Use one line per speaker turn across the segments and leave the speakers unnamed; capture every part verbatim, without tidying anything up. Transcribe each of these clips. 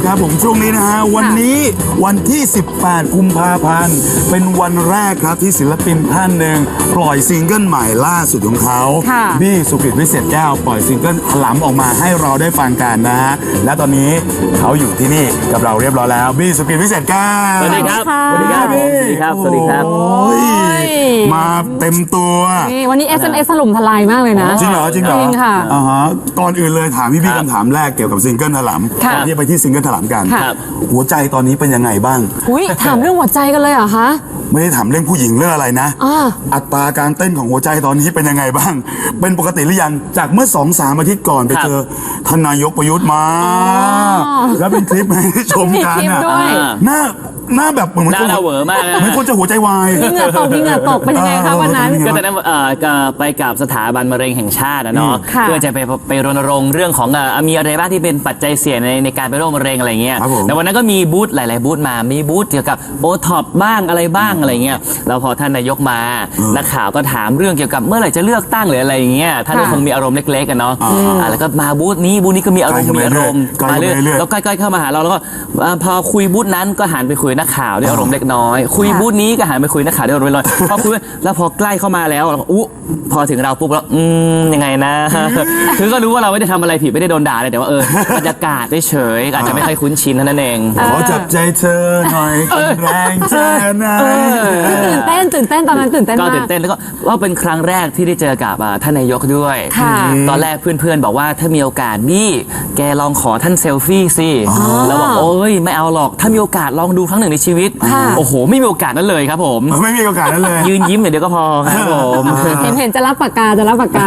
ครับผมช่วงนี้นะฮะวันนี้วันที่สิบแปดกุมภาพันธ์เป็นวันแรกครับที่ศิลปินท่านหนึ่งปล่อยซิงเกิลใหม่ล่าสุดของเขาบี้สุกฤตวิเศษแก้วปล่อยซิงเกิลถลำออกมาให้เราได้ฟังกันนะฮะและตอนนี้เขาอยู่ที่นี่กับเราเรียบร้อยแล้วบี้สุกฤตวิเศษแก้ว
สวัสดีครับสวัสดีครับ
สวัสดีครับ
สวัสดีครับ
มาเต็มตัว
นี่วันนี้ เอส เอ็ม เอส ถล่มทลายมากเลยนะ
จริงเหรอจริงเหรอ
จริงค่ะ
อ่าฮะก่อนอื่นเลยถามพี่บี้คำถามแรกเกี่ยวกับซิงเกิลถลำก่อนที่จะไปที่ซิงเกิลถลำกันหัวใจตอนนี้เป็นยังไงบ้าง
อุ้ยถามเรื่องหัวใจกันเลยเหรอคะ
ไม่ได้ถามเรื่องผู้หญิงเรื่องอะไรนะอัตราการเต้นของหัวใจตอนนี้เป็นยังไงบ้างเป็นปกติหรือยังจากเมื่อสองสามอาทิตย์ก่อนไปเจอท่านนายกประยุทธ์มาแล้วเป็นคลิปให้ชมกันอ่ะหน้าหน้าแบบเหมือนคน
เหวอมาก
เหมือนคนจะหัวใจวาย
พี่เหงื่อตกพี่เหงื่อตกเป็นยังไงคะวันนั้น
ก็ตอนนั้นไปกับสถาบันมะเร็งแห่งชาตินะเนาะเพื่อจะไปไปรณรงค์เรื่องของมีอะไรบ้างที่เป็นปัจจัยเสี่ยงในในการเป็นโรคมะเร็งอะไรเงี้ยแต่วันนั้นก็มีบูธหลายๆบูธมามีบูธเกี่ยวกับโอท็อปบ้างอะไรบ้างอะไรเงี้ยแล้วพอท่านนายกมานักข่าวก็ถามเรื่องเกี่ยวกับเมื่อไหร่จะเลือกตั้งหรืออะไรเงี้ยท่านก็คงมีอารมณ์เล็กๆกันเนาะแล้วก็มาบูธนี้บูธนี้ก็มีอารมณ์มีอารมณ์มาเรื่อยแล้วใกล้ๆเข้ามาหาเราแล้วก็พอคุยบูธนั้นก็หันไปคุยนักข่าวด้วยอารมณ์เล็กน้อยคุยบูธนี้ก็หันไปคุยนักข่าวด้วยอารมณ์ลอยพอคุยแล้วพอใกล้เข้ามาแล้วอู้พอถึงเราปุ๊บแล้วอืมยังไงนะคือก็รู้ว่าเราไม่ได้ทำอะไรผิดไม่ได้โดนด่าเลยแต่ว่าเออบรรยากาศได้เฉยอาจจะไม่ค่อยคุ้นชินนั่นเอง
ขอจับใจเธอหน่อยแรงเธอนะ
ตื่นเต้นตื่นเต้นตอนนั้นตื่นเต้นมาก
ก็ตื่นเต้นแล้วก็ว่าเป็นครั้งแรกที่ได้เจอกับท่านนายกด้วยตอนแรกเพื่อนๆบอกว่าถ้ามีโอกาสบี้แกลองขอท่านเซลฟี่สิแล้วบอกโอ้ยไม่เอาหรอกถ้ามีโอกาสลองดูครั้งหนึ่งในชีวิตโอ้โหไม่มีโอกาสนั้นเลยครับผม
ไม่มีโอกาสนั้นเลย
ยืนยิ้มเดี๋ยวก็พอครับผม
เห็นเห็นจะรับปากกาจะรับปากกา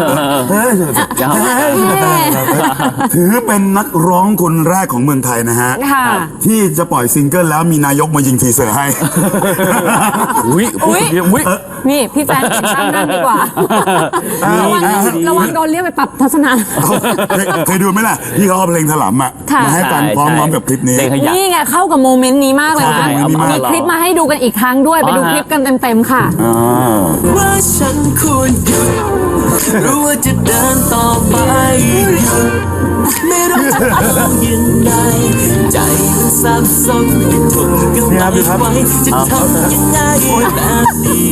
ถือเป็นนักร้องคนแรกของเมืองไทยนะฮะที่จะปล่อยซิงเกิลแล้วมีนายกมายิงทีเซอร์ให้
อุ้ยอุ้ยอุ้ย
นี่พี่แจ๊คเห็นตั้งนั่นดีกว่าระวังโดนเรียกไปปรับทัศนะ
เคยดูไหมล่ะที่เขาเอาเพลงถลำอ่ะมาให้ฟังพร้อมๆกับคลิปนี้
นี่ไงเข้ากับโมเมนต์นี้มากเลยนะมีคลิปมาให้ดูกันอีกครั้งด้วยไปดูคลิปกันเต็มๆค่ะ
ว่าฉันควรหยุดรู้ว่าจะเดินต่อไปไม่รู้จะทำยังไงใจมันสับสนทุ่มกันไปไว้จะทำยังไงแบบนี้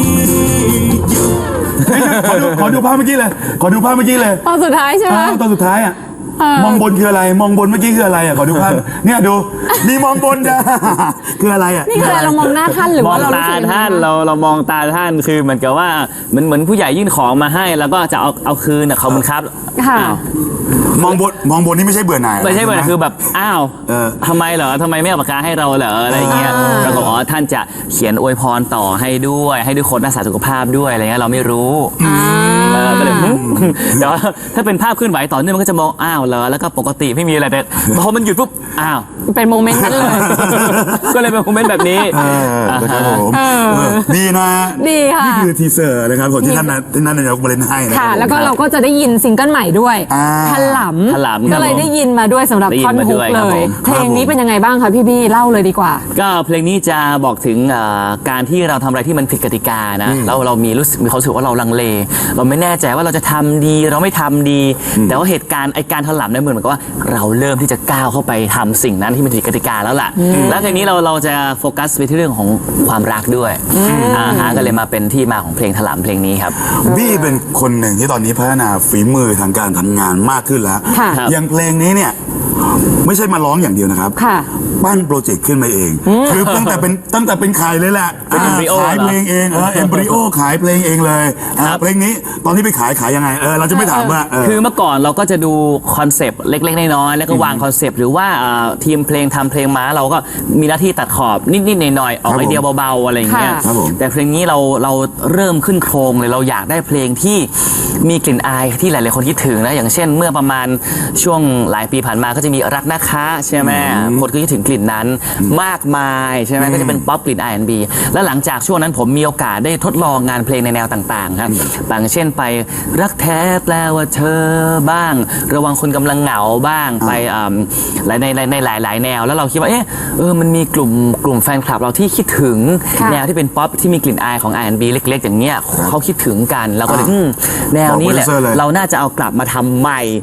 ขอดูขอดูภาพเมื่อกี้เลยขอดูภาพเมื่อกี้เลย
ตอนสุดท้ายใช่ไหม
ตอนสุดท้ายอ่ะมองบนคืออะไรมองบนเมื่อกี้คืออะไรอ่ะขอดูภาพเนี่ยดูมีมองบนจ้ะคืออะไรอ่ะ
นี่คืออะไรเรามองหน้าท่านหรือว่าเรา
ตาท่านเราเรามองตาท่านคือเหมือนกับว่าเหมือนเหมือนผู้ใหญ่ยื่นของมาให้แล้วก็จะเอาเอาคืนเขาบังคับ
มองบนมองบนนี่ไม่ใช่เบื่อหน่าย
ไม่ใช่เบื่อหน่ายคือแบบอ้าวทำไมเหรอทำไมไม่เอาปากกาให้เราเหรออะไรเงี้ยเราก็อ๋อท่านจะเขียนอวยพรต่อให้ด้วยให้ทุกคนรักษาสุขภาพด้วยอะไรเงี้ยเราไม่รู้ก็เลยเดี๋ยวถ้าเป็นภาพเคลื่อนไหวต่อเนื่องมันก็จะมองอ้าวเหรอแล้วก็ปกติไม่มีอะไรแต่พอมันหยุดปุ๊บอ้าว
เป็นโมเมนต์นั้นเลย
ก็เลยเป็นโมเมนต์แบบนี้
นะครับผมดีนะ
ดีค่ะ
นี่คือทีเซอร์นะครับผมที่ท่านที่ท่านนายกมาเล่นให้นะ
ค่ะแล้วก็เราก็จะได้ยินซิงเกิลใหม่ด้วยถลำก็เลยได้ยินมาด้วยสำหรับท่อนฮุกเลยเพลงนี้เป็นยังไงบ้างคะพี่บี้เล่าเลยดีกว่า
ก็เพลงนี้จะบอกถึงการที่เราทำอะไรที่มันผิดกติกานะแล้วเรามีรู้สึกมีความรู้สึกว่าเราลังเลเราไม่แน่ใจว่าเราจะทำดีเราไม่ทำดีแต่ว่าเหตุการณ์ไอการถลำเนี่ยเหมือนกับว่าเราเริ่มที่จะก้าวเข้าไปทำสิ่งนั้นที่มันผิดกติกาแล้วล่ะแล้วทีนี้เราเราจะโฟกัสไปที่เรื่องของความรักด้วยอ่าฮะก็เลยมาเป็นที่มาของเพลงถลำเพลงนี้ครับ
บี้เป็นคนหนึ่งที่ตอนนี้พัฒนาฝีมือทางการทำงานมากขึ้นแล้วอย่างเพลงนี้เนี่ยไม่ใช่มาร้องอย่างเดียวนะครับปั้นโปรเจกต์ขึ้นมาเองคือตั้งแต่เป็นตั้งแต่เป็นขายเลยแหละขายเพลงเองเออเอมบริโอขายเพลงเองเลยเพลงนี้ตอนที่ไปขายขายยังไงเออเราจะไม่ถามว่า
คือเมื่อก่อนเราก็จะดูคอนเซปต์เล็กๆน้อยๆแล้วก็วางคอนเซปต์หรือว่าทีมเพลงทำเพลงมาเราก็มีหน้าที่ตัดขอบนิดๆหน่อยๆออกไอเดียเบาๆอะไรอย่างเงี้ยแต่เพลงนี้เราเราเริ่มขึ้นโครงเลยเราอยากได้เพลงที่มีกลิ่นอายที่หลายๆคนคิดถึงนะอย่างเช่นเมื่อประมาณช่วงหลายปีผ่านมาก็จะมีรักนะคะใช่ไหมคนก็คิดถึงกลิ่นนั้นมากมายใช่ไหมก็จะเป็นป๊อปกลิ่น อาร์ แอนด์ บี แล้วหลังจากช่วงนั้นผมมีโอกาสได้ทดลองงานเพลงในแนวต่างๆครับบางเช่นไปรักแท้แปลว่าเธอบ้างระวังคนกำลังเหงาบ้างไปในในในหลายๆแนวแล้วเราคิดว่าเออเออมันมีกลุ่มกลุ่มแฟนคลับเราที่คิดถึงแนวที่เป็นป๊อปที่มีกลิ่นอายของ อาร์ แอนด์ บี เล็กๆอย่างเงี้ยเขาคิดถึงกันเราก็เลยแนวนี้แหละเราน่าจะเอากลับมาทำใหม่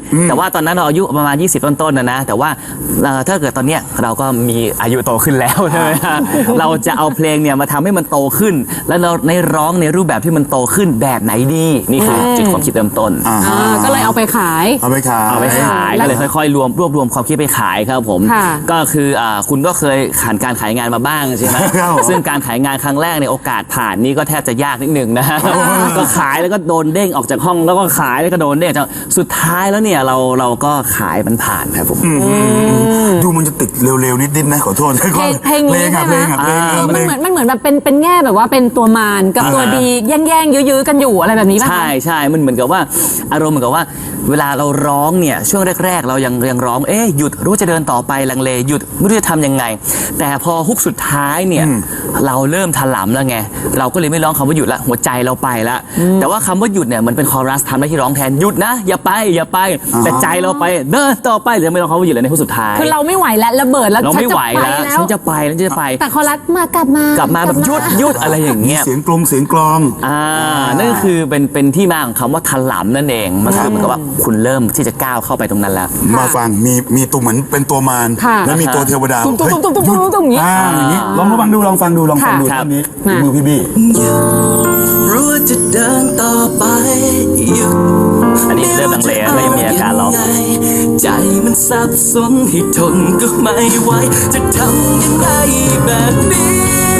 แต่ว่าตอนนั้นเราอายุประมาณยี่สิบต้นๆนะนะแต่ว่าเอ่อถ้าเกิดตอนเนี้ยเราก็มีอายุโตขึ้นแล้วใช่ไหมฮะเราจะเอาเพลงเนี่ยมาทำให้มันโตขึ้น แล้วเราในร้องในรูปแบบที่มันโตขึ้นแบบไหนดีนี่คือจุดความคิดเริ่มต้น
อ่า
อ่าก็เลยเอาไปขาย
เอาไปขาย
เอาไปขายก็เลยค่อยๆรวมรวบรวมความคิดไปขายครับผม
ค่ะ
ก็คืออ่าคุณก็เคยผ่านการขายงานมาบ้างใช่ไหม
ครับผม
ซึ่งการขายงานครั้งแรกในยโอกาสผ่านนี่ก็แทบจะยากนิดหนึ่งนะก็ขายแล้วก็โดนเด้งออกจากห้องแล้วก็ขายแล้วก็โดนเด้งจากสุดท้ายแล้วเนี่ยเราเราก็ขายมันผ่านครับผม
ดูมันจะติดเร็วๆนิดๆนะขอโทษ
เพลงเพลงนี้
อะ
ใช่ไหม
เพลงอะเพลงอะ
มัน
เพลง
เหมือนมันเหมือนแบบเป็นเป็นแง่แบบว่าเป็นตัวมารกับตัวดีแย่งๆยื้อๆกันอยู่อะไรแบบนี้ป่ะคะ
ใช่ใช่มันเหมือนกับว่าอารมณ์เหมือนกับว่าเวลาเราร้องเนี่ยช่วงแรก ๆ เรายังยังร้องเอ๊ะหยุดรู้จะเดินต่อไปลังเลหยุดไม่รู้จะทำยังไง แต่พอฮุกสุดท้ายเนี่ยเราเริ่มถลำแล้วไงเราก็เลยไม่ร้องคำว่าหยุดละหัวใจเราไปละแต่ว่าคำว่าหยุดเนี่ยมันเป็นคอรัสทำหน้าที่ร้องแทนหยุดนะอย่าไปอย่าไปแต่ใจเราไปเดินต่อไปหรือไม่ร้องคำว่าหยุดเลยในฮุกสุดท้าย
คือเราไม่ไหวแล้วระเบิดแล้ว
เราไม่ไหวแล้ว
ฉั
ฉั
น
น
จะ
จะไปแล้วฉันจะไป
แต่คอรัสมากลับมาก
ลับมาแบบหยุดหยุดอะไรอย่างเงี้ย
เสียงกลองเสียงกลอง
อ่านั่นก็คือเป็นเป็นที่มาของคำว่าถลำนั่นเองมันคือเหมือนกับว่าคุณเริ่มที่จะก้าวเข้าไปตรงนั้นแล้ว
มาฟังมีมีตัวเหมือนเป็นตัวมาร
ค่ะ
แล้วมีตัวเทวดา
ตุ้มตุ้มตุ้มตุ้มตุ้มตุ้มตุ้มอย่างนี้
อ่าอย่างนี้ลองมาฟังดูลองฟังดูลองฟังดู
ค่ะ
ท่อนนี้
มา
มือพี่บี้
รู้ว่าจะเดินต่อไปหยุด
อันนี้เริ่มลังเลแล้วก็ยังมีอาการร้อง
ใจมันสับสนให้ทนก็ไม่ไหวจะทำยังไงแบบนี้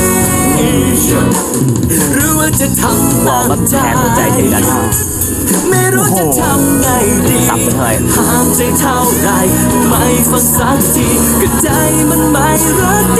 หรือว่าจะทำ
บอกว่าแทนหัวใจทีนั้น
ไม่รู้จะทำไงดี
สับไปเลย
ห้ามใจเท่าไรไม่ฟังสักทีก็ใจมันไม่รักดี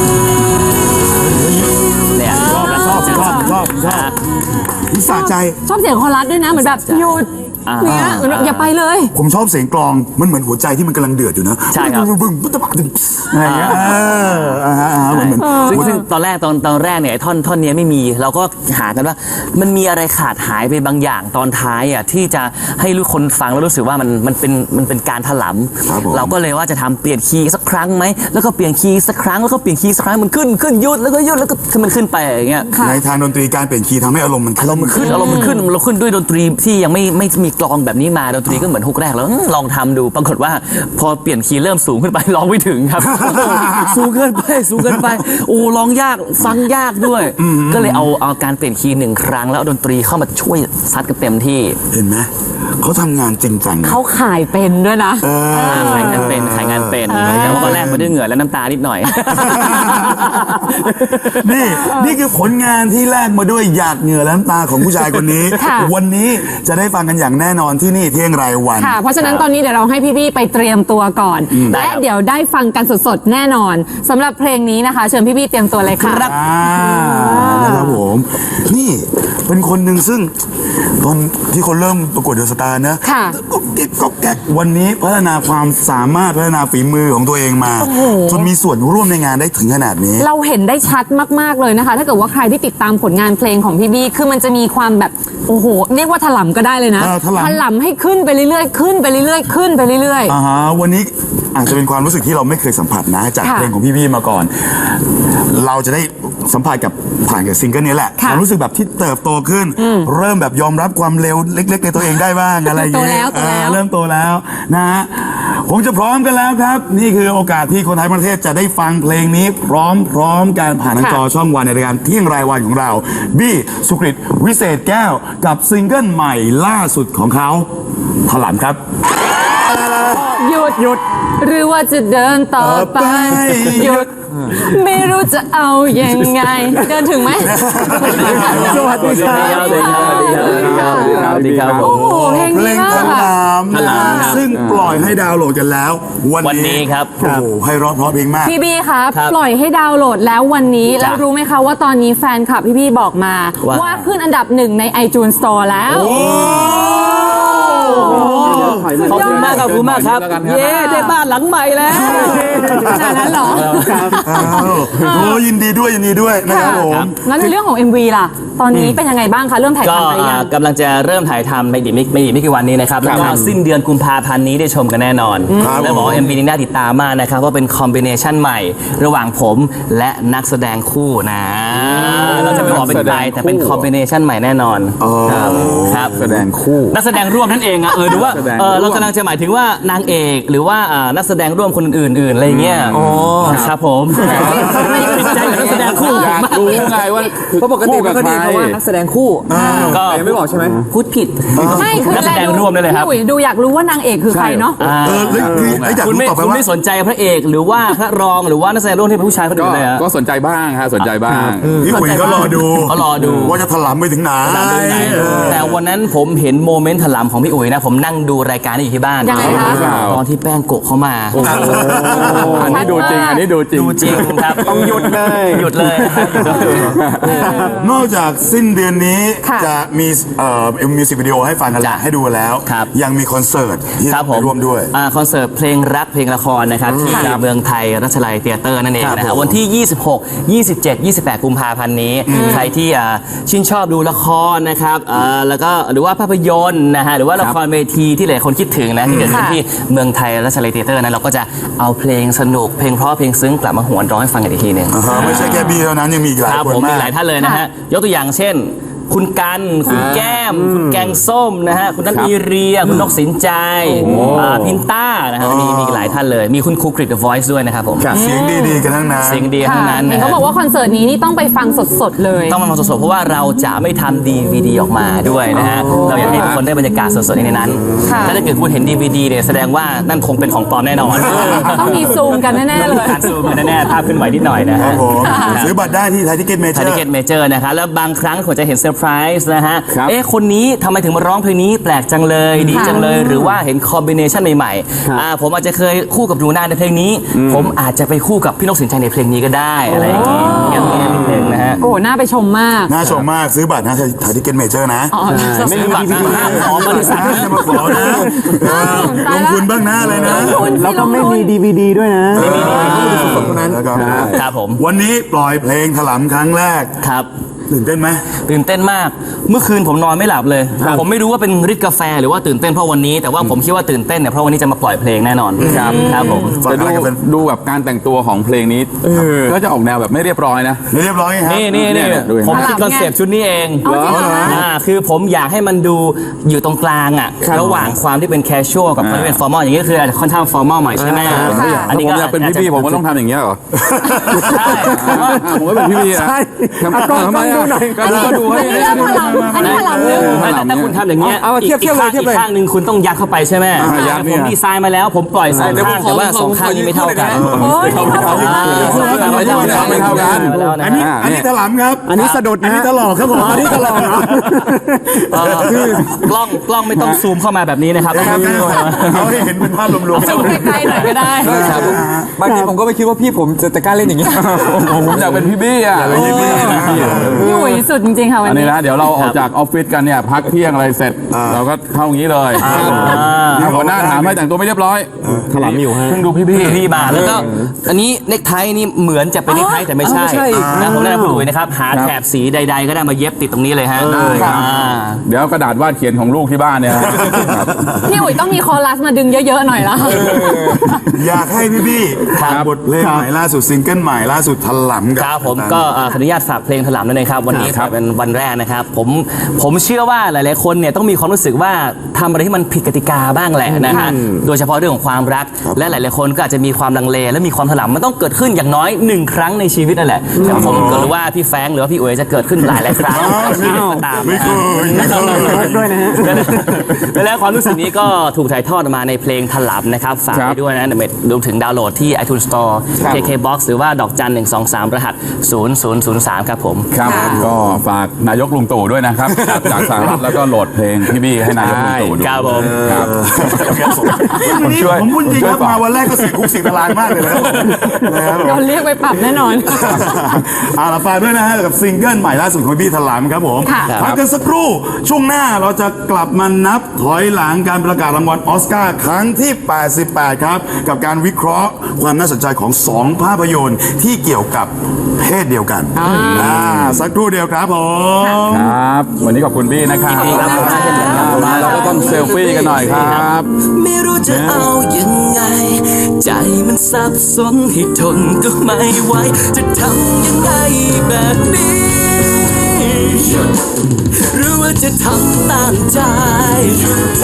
เนี่ย
ชอบชอบชอบชอบชอบนิสาใจ
ชอบเสียงคอรัสด้วยนะเหมือนแบบหยุด
อ่า
เนี่ยเหมือนแบบอย่าไปเลย
ผมชอบเสียงกลองมันเหมือนหัวใจที่มันกำลังเดือดอยู่นะ
ใช่ครับ
บึ้งบึ้งบึ้งบึ้งบึ้งอะไรอย่างเงี้ยเอออ่าฮะอ่าฮะเหมือนเหมือน
ซึ่งซึ่งตอนแรกตอนตอนแรกเนี่ยไอ้ท่อนท่อนเนี้ยไม่มีเราก็หากันว่ามันมีอะไรขาดหายไปบางอย่างตอนท้ายอ่ะที่จะให้ลูกคนฟังแล้วรู้สึกว่ามันมันเป็นมันเป็นการถล
ครับผม
ำเราก็เลยว่าจะทำเปลี่ยนคีย์สักครั้งไหมแล้วก็เปลี่ยนคีย์สักครั้งแล้วก็เปลี่ยนคีย์สักครั้งมันขึ้นขึ้นหยุดแล้วก็หยุดแล้วก็ขึ้นมันขึ้นไปอย่างเงี้ย
ค่ะ
ในทางดนตรีการเปลี่ยนคีย์ทำให้อารมณ์มัน
อารมณ์มันขึ้นอารมณ์มันขึ้นเราขึ้นด้วยดนตรีที่ยังไม่ไม่มีกลองแบบนี้มาดนตรีก็เหมือนฮุกแรกแล้วอืมลองทำดูปรากฏว่าพอเปลี่ยนคีย์เริ่มสูงขึ้นไปร้องไม่ถึงครับ สูงเกินไปสูงเกินไปโอ้ร้องยากฟังยากด้วย ก็เลยเอาเอาการเปลี่ยนคีย์หนึ่งครั้งแล้วเอาดนตรีเข้ามาช่วยซัดกันเต็มที่
เห็นไหมเขาทำงานจริงจังนะ
เขาขายเป็นด้วยนะ
เออ
ขายงานเป็นขายงานเป็นแต่ว่าตอนแรกมาด้วยเหงื่อและน้ำตานิดหน่อย
นี่นี่คือผลงานที่แลกมาด้วยหยาดเหงื่อและน้ำตาของผู้ชายคนนี้
ค่ะ
วันนี้จะได้ฟังกันอย่างแน่นอนที่นี่เที่ยงรายวัน
ค่ะ เพราะฉะนั้นตอนนี้เดี๋ยวเราให้พี่ๆไปเตรียมตัวก่อน
ได้
และ
ครับ
เดี๋ยวได้ฟังกันสดๆแน่นอนสำหรับเพลงนี้นะคะ เชิญพี่ๆเตรียมตัวเลยค่ะ
อ่านะครับผม นี่เป็นคนหนึ่งซึ่งตอนที่คนเริ่มประกวดเดอะสตาร์นะ
ค่ะ
ก็เก็บก็แก๊กวันนี้พัฒนาความสามารถพัฒนาฝีมือของตัวเองมา จนมีส่วนร่วมในงานได้ถึงขนาดนี้
เราเห็นได้ชัดมากๆเลยนะคะ ถ้าเกิดว่าใครที่ติดตามผลงานเพลงของพี่บี้คือมันจะมีความแบบโอ้โหเรียกว่าถลำก็ได้เลยนะ
เออถลำ
ลำให้ขึ้นไปเรื่อยๆขึ้นไปเรื่อยๆขึ้นไปเรื่อย
อ่าฮะวันนี้อาจจะเป็นความรู้สึกที่เราไม่เคยสัมผัสนะ จาก
ค่ะ
เพลงของพี่ๆมาก่อน เราจะได้สัมผัสกับผ่านกับซิงเกิลนี้แหละ
ค่ะ
ความรู้สึกแบบที่เติบโตขึ้น เริ่มแบบยอมรับความเร็วเล็ก ๆ ในตัวเองได้บ้างอะไรอย่างเงี้ย
โตแล้วโตแล้ว
อ่าเริ่มโตแล้วนะฮะคงจะพร้อมกันแล้วครับ นี่คือโอกาสที่คนไทยประเทศจะได้ฟังเพลงนี้พร้อมพร้อมการผ่านทางจอช่องวันในรายการเที่ยงรายวันของเราบี้สุกฤตวิเศษแก้วกับซิงเกิลใหม่ล่าสุดของเขาถลำครับ
ๆหยุดหยุดหรือว่าจะเดินต่อไป หยุดไม่รู้จะเอายังไง เดินถึงไหม
สวัสดีครับ
สวัสดีครับสวัสดีครับผม
โอ้โหเพลง
เพล
นี้
ง
มาก
ถ
ค่ะ
ลำ
ถลำครับ
ซึ่งปล่อยให้ดาวน์โหลดกันแล้ว วัน
วันนี้ครับ
โอ้โหให้ร้องเพราะเพลงมาก
พี่บี้ครับ
ครับ
ปล่อยให้ดาวน์โหลดแล้ววันนี้
จ้ะ
แล้วรู้ไหมคะว่าตอนนี้แฟนคลับพี่บี้บอกมา
ว่า
ว่าขึ้นอันดับหนึ่งใน iTunes Store แล้ว
ขอบคุณมากขอบคุณมากครับ เย้ได้บ้านหลังใหม่แล้ว
ขนาดนั้นเหรอ
อ้าวโอ้ยินดีด้วยยินดีด้วยนะครับผม
งั้นในเรื่องของ เอ็ม วี ล่ะ ตอนนี้เป็นยังไงบ้างคะ เริ่มถ่าย
ก็
ทำไปยั
อ่าง กำลังจะเริ่มถ่ายทำในอีกไม่ไม่อีกไม่กี่วันนี้นะครับแล้วก็สิ้นเดือนกุมภาพันธ์นี้ได้ชมกันแน่นอน
ครับ
แล้วบอกว่า เอ็ม วี นี้น่าติดตามมากนะครับว่าเป็นคอมบิเนชันใหม่ ระหว่างผมและนักแสดงคู่นะเราจะไม่บอกเป็นใครแต่เป็นคอมบิเนชันใหม่แน่นอนครับครับ
แสดงคู่
นักแสดงร่วมนั่นเองอะเออหรือว่าเออเรากำลังจะหมายถึงว่านางเอกหรือว่าอ่านักแสดงร่วมคนอื่นๆอะไรเงี้ยอ๋อครับผมติดใจกับนักแสดงคู่
อยากรู้ไงว่าเพราะปกติแบบนี้เพราะว่านักแสดงคู่ก็ไม่บอกใช่ไหมพูดผิด
ไม่คือ
นักแสดงร่วมได้เลยครับ
พี่อุ๋ยดูอยากรู้ว่านางเอกคือใครเนาะ
เออคือไอ้อยาก
คุณ
รู้
ไม่
ต่อไป
คุณ
ว่า
ไม่สนใจพระเอกหรือว่าพระรองหรือว่านักแสดงร่วมที่เป็นผู้ชายคนอื่นเลยฮะ
ก็สนใจบ้างฮะสนใจบ้าง
พี่อุ๋ยก็รอดู
เขารอดู
ว่าจะถลำไปถึงไหน
แต่วันนั้นผมเห็นโมเมนต์ถลำของพี่อุ๋ยนะผมนั่งดูรายการอยู่ที่บ้าน
ยังไงคะ
ตอนที่แป้งโกะเข้ามา
อันนี้ดูจริงอันนี้ดูจริง
ดูจริงครับต้องหยุดเลยหยุดเลยนะครับหยุดเลย
นอกจากสิ้นเดือนนี้
ค่ะ
จะมีเอ่อมิวสิกวิดีโอให้ฟังกัน
จ้ะ
ให้ดูแล้ว
ครับ
ยังมีคอนเสิร์ตที่
ครับผ
ไป
ม
ร่วมด้วย
อ่าคอนเสิร์ตเพลงรักเพลงละครนะครับที่เมืองไทยรัชลัยเตียเตอร์นั่นเองนะ
ค
ค
รั
รั
บบ ผม
วันที่ ยี่สิบหก ยี่สิบเจ็ด ยี่สิบแปด กุมภาพันธ์นี้ ใครที่อ่าชื่นชอบดูละครนะครับอ่าแล้วก็หรือว่าภาพยนตร์นะฮะหรือว่าละครเวทีที่หลายคนคิดถึงนะที่เกิดขึ้นที่เมืองไทยรัชลัยเตียเตอร์นั้นเราก็จะเอาเพลงสนุกเพลงเพราะเพลงซึ้งกลับมาหวนร้องให้ฟังกันอีกทีหนึ่ง
อ่าฮะไม่ใช่แค่บี้เท่านั้นยังมีอีกหลาย
ครับ
คน
ผม
มา
มี
ก
หลายท่านเลยนะฮะ ยกตัวอย่างเช่น คุณกันคุณแก้ม คุณแกงส้มนะฮะคุณนัทมีเรีย คุณนกสินใจอ่าพินต้านะฮะมีมีหลายท่านเลย มีคุณครูกริด The Voice ด้วยนะครับผม
เสียงดีๆกันทั้งนั้น
เสียงดีทั้งนั้น
เห็
นะ
น
ฮะ
เขาบอกว่าคอนเสิร์ตนี้นี่ต้องไปฟังสดๆเลย
ต้องมาฟังสดๆเพราะว่าเราจะไม่ทำดีวีดีออกมาด้วยนะฮะเราอยากให้ทุกคนได้บรรยากาศสดๆในนั้น
ค่ะ
ถ้าเกิดคุณเห็นดีวีดีเนี่ยแสดงว่านั่นคงเป็นของปลอมแน่นอน
ต้องมีซูมกันแน่ๆเลย
การซูมกันแน่ๆภาพขึ้นไหวนิดหน่อยนะ
ครั
ฮะ
บผมซื้อบัตรได้ที่ไทยทิเก็ตเมเจ
ไท
อย
ทิ
ร์
เก็ตเมเจอร์นะครับแล้วบางครั้งผมจะเห็นเซอร์ไพรส์นะฮะ
ครับ
เอ๊ะคนนี้ทำไมถึงมาร้องเพลงนี้แปลกจังเลยดีจังเลย หรือว่าเห็นคอมบิเนชันใหม่ๆอ่าผมอาจจะเคยคู่กับหนูนาในเพลงนี้ ผมอาจจะไปคู่กับพี่นกสินใจในเพลงนี้ก็ได้อะไรอย่างงี้อย่างนี้นิดนึงนะฮะ
โอ้น่าไปชมมาก
น่าชมมากซื้อบัตรนะไทยทิเก็ตเมเจอร์นะ
อ๋อ
ไม่มีบัตรนะห้ามขอบริษัท
จะมาขอนะเออลงทุนบ้างหน้าเลยนะ
แล้วก็ไม่มี
ดีวีดีด้วยนะ
แล้วก็
ครับผม
วันนี้ปล่อยเพลงถลำครั้งแรก
ครับ
ตื่นเต้นไหม
ตื่นเต้นมาก เมื่อคืนผมนอนไม่หลับเลย ผมไม่รู้ว่าเป็นฤทธิ์กาแฟหรือว่าตื่นเต้นเพราะวันนี้ แต่ว่าผมคิดว่าตื่นเต้นเนี่ยเพราะวันนี้จะมาปล่อยเพลงแน่นอนครับครับผม
ฝาก
แต่
อะไร
ดู
กันเป็น
ดูแบบการแต่งตัวของเพลงนี้ก็จะออกแนวแบบไม่เรียบร้อยนะ
เรียบร้อยครับ
นี่นี่นี่
เนี่ยดูเห็นไหม
ผมคิดคอนเซปต์ชุดนี้เอง
เอาจริงเหรอ
อ่าคือผมอยากให้มันดูอยู่ตรงกลางอ่ะระหว่างความที่เป็นแคชชวลกับความที่เป็นฟอร์มอลอย่างนี้ก็คืออาจจะค่อนข้างฟอร์มอลหน่อยใช่ไหม
อันนี้ผมอยากเป็นพี่ๆผมก็ต้องทำอย่างเงี้ยเหรอ
ใช่ผมว่า
ผมก็เป็นพี่ๆอ่ะทำไมอ่ะก็ดูให้
อันนี้ถลำอันนี้ถลำลึก
ไม่แต่ถ้าคุณทำอย่างเงี้ย
เอาเทียบเทียบเลยเทียบเลย
อีกข้างหนึ่งคุณต้องยัดเข้าไปใช่ไหม
ยัดเนี่
ผ
ย
มดีไซน์มาแล้ว ผมปล่อยสองข้างแต่ว่าสองข้างนี้ไม่เท่ากัน
โอ้ย
ไม่เท่ากันไม่เท่ากัน
อันนี้อันนี้ถลำครับ อันนี้สะดุดอันนี้ตลอกครับผมอันนี้ตลอกเนาะ
เออกล้องกล้องไม่ต้องซูมเข้ามาแบบนี้นะครับ
เขาให้เห็นเป็นภาพรวม
ซูมใกล้ๆหน่อยก็ได้
บางทีผมก็ไม่คิดว่าพี่ผมจะจะกล้าเล่นอย่างนี้
ผมอยากเป็นพี่บี้อ่ะเป็นพี่บี้นะ
พี่อุ๋ยสุดจริงๆค่ะวัน
อันนี้
นี้
นะเดี๋ยวเราออกจากออฟฟิศกันเนี่ยพักเที่ยงอะไรเสร็จ เราก็เข้าอย่างนี้เลยถ้าหัวหน้าถามให้แต่งตัวไม่เรียบร้อยถลำอยู่ฮะเพิ่งดูพี่บี้
พี่มาแล้วก็อันนี้เนคไทนี่เหมือนจะเป็นเนคไทแต่ไม่ใช่นะผมแนะนำคุณอุ๋ยนะครับหาแถบสีใดๆก็ได้มาเย็บติดตรงนี้เลยฮะ
เดี๋ยวกระดาษวาดเขียนของลูกที่บ้านเนี่ย
พี่อุ๋ยต้องมีคอรัสมาดึงเยอะๆหน่อยละ
อยากให้พี่บี้ฝากบทเพลงใหม่ล่าสุดซิงเกิลใหม่ล่าสุดถลำ
ครับผมก็เอ่อขออนุญาตฝากเพลงถลำนั่นเองครับวันนี้เป็นวันแรกนะครับผมผมเชื่อว่าหลายๆคนเนี่ยต้องมีความรู้สึกว่าทำอะไรที่มันผิดกติกาบ้างแหละนะฮะโดยเฉพาะเรื่องของความรัก และหลายๆคนก็อาจจะมีความลังเลและมีความถลำมันต้องเกิดขึ้นอย่างน้อยหนึ่งครั้งในชีวิตนั่นแหละแต่ผมก็รู้ว่าพี่แฟรงค์หรือว่าพี่อุ๋ยจะเกิดขึ้นหลายหลายๆครั้งตาม
ไม่เคยไม่เคย
ด้วยนะฮะ
แล้วความรู้สึกนี้ก็ถูกถ่ายทอดมาในเพลงถลำนะครับฝากไปด้วยนะรวมถึงดาวน์โหลดที่ iTunes Store เค เค Box หรือว่าดอกจันหนึ่งสองสามรหัสศูนย์ศูนย์ศูนย์สามครับผม
ครับก็ฝากนายกลุงตู่ด้วยนะครับจากสหรัฐแล้วก็โหลดเพลงพี่บี้ให้นายกลุงตู่ดู
ครับผม
ครับ
วันนี้ผมพูดจริงครับมาวันแรกก็เสียคุกเสียตารางมากเลยนะครับนะครับ
โดนเรียกไปปรับแน่นอน
อาลาฝากด้วยนะฮะกับซิงเกิลใหม่ล่าสุดของพี่ถลำครับผม
ค่ะ
พักกันสักครู่ช่วงหน้าเราจะกลับมานับถอยหลังการประกาศรางวัลออสการ์ครั้งที่ แปดสิบแปด ครับ กับการวิเคราะห์ความน่าสนใจของสองภาพยนตร์ที่เกี่ยวกับเพศเดียวกันอ่าสักครู่เดียวครับผม
ครับ วันนี้ขอบคุณบี้นะครับ
ยินดีครับ
มาเราก็ต้องเซลฟี่กันหน่อยครับ
ไม่รู้จะเอายังไง ใจมันสับสนให้ทนก็ไม่ไหวจะทำยังไงแบบนี้หรือว่าจะทำตามใจ